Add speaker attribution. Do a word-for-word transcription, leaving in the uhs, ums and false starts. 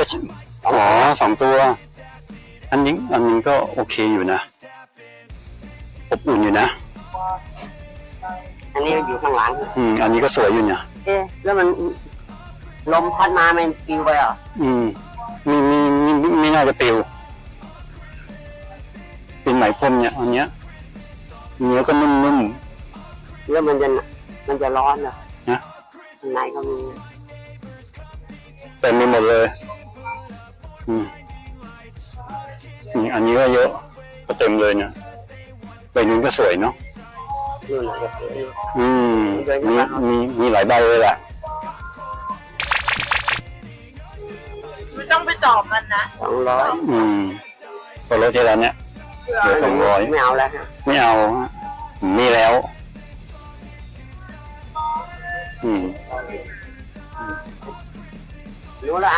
Speaker 1: อ๋อสองตัวอันนี้อันนี้ก็โอเคอยู่นะอบอุ่นอยู่นะ
Speaker 2: อันนี้อยู่ข้างหลัง
Speaker 1: อืมอันนี้ก็สวยอยู่เนี่ย
Speaker 2: เอ๊ะแล้วมันลมพัดมามันปลิวไปเหรอ
Speaker 1: อืมมีมีมีไม่น่าจะปลิวเป็นไหมพรมเนี่ยอันเนี้ยเนื้อก็นุ่ม
Speaker 2: ๆแล้วมันจะมันจะร้อนเหรอ
Speaker 1: นะ
Speaker 2: ข้างในก็มี
Speaker 1: เต็มไปหมดเลยอืมนี่อันนี้ก็เยอะก็เต็มเลยเนี่ยใบนู้นก็สวยเนาะ
Speaker 2: นู่นเลย
Speaker 1: อืมมีมีมีหลายใบเลยแหละ
Speaker 3: ไม่ต้องไปตอบมันนะ
Speaker 2: สองร้อย
Speaker 1: อืมพอรถที่ร้านเนี้ยเหลือสองร้อย
Speaker 2: ไม่เอาแล้วฮะ
Speaker 1: ไม่เอามีแล้วอืม
Speaker 2: รู้ละ